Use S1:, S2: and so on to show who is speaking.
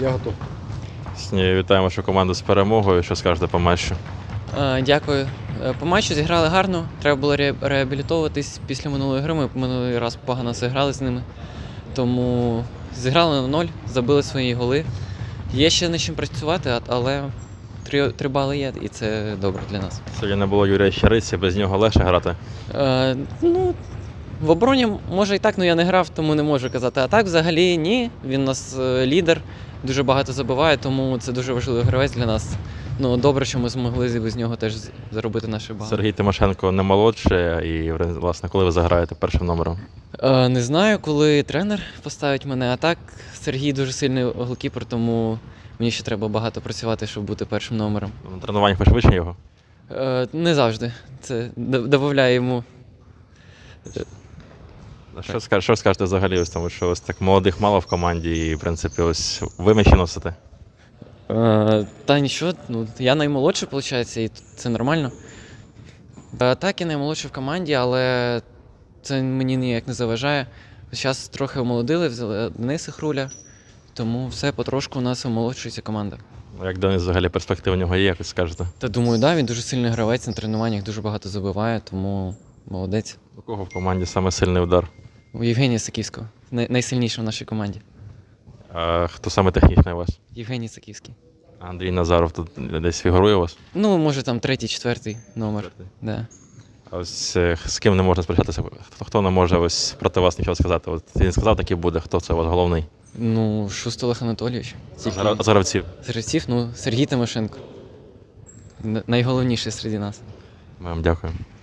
S1: Я готов.
S2: Вітаємо вашу команду з перемогою. Що скажете по матчу?
S3: Дякую. По матчу зіграли гарно. Треба було реабілітовуватись після минулої гри. Ми минулий раз погано зіграли з ними. Тому зіграли на 0, забили свої голи. Є ще над чим працювати, але 3 бали є, і це добре для нас.
S2: Сьогодні не було Юрія Щариці, без нього легше грати.
S3: В обороні може і так, але я не грав, тому не можу казати. А так взагалі ні. Він у нас лідер, дуже багато забиває, тому це дуже важливий гравець для нас. Добре, що ми змогли без нього теж заробити наші бали.
S2: Сергій Тимошенко не молодший, і, власне, коли ви заграєте першим номером?
S3: Не знаю, коли тренер поставить мене, а так Сергій дуже сильний голкіпер, тому мені ще треба багато працювати, щоб бути першим номером.
S2: На тренуваннях ви швидше його?
S3: Не завжди. Це додає йому.
S2: Що скажете взагалі, ось тому що ось так молодих мало в команді і, в принципі, ось ви м'ячі носите?
S3: Та нічого, я наймолодший, виходить, і це нормально. Так, я наймолодший в команді, але це мені ніяк не заважає. Зараз трохи омолодили, взяли Дениса Хруля, тому все потрошку у нас омолоджується команда.
S2: Як Денис взагалі перспектив у нього є, як скажете?
S3: Та думаю, да, він дуже сильний гравець, на тренуваннях дуже багато забиває, тому молодець.
S2: У кого в команді саме сильний удар?
S3: У Євгенія Саківського, найсильніший в нашій команді.
S2: А хто саме технічний у вас?
S3: Євгеній Саківський.
S2: Андрій Назаров тут десь фігурує у вас?
S3: Може там 3-4 номер. Да.
S2: А ось з ким не можна сперечатися? Хто не може ось проти вас нічого сказати? От він сказав, такий буде. Хто це у вас головний?
S3: Шуст Олег Анатолійович.
S2: З гравців?
S3: З гравців, Сергій Тимошенко. Найголовніший серед нас.
S2: Ми вам дякуємо.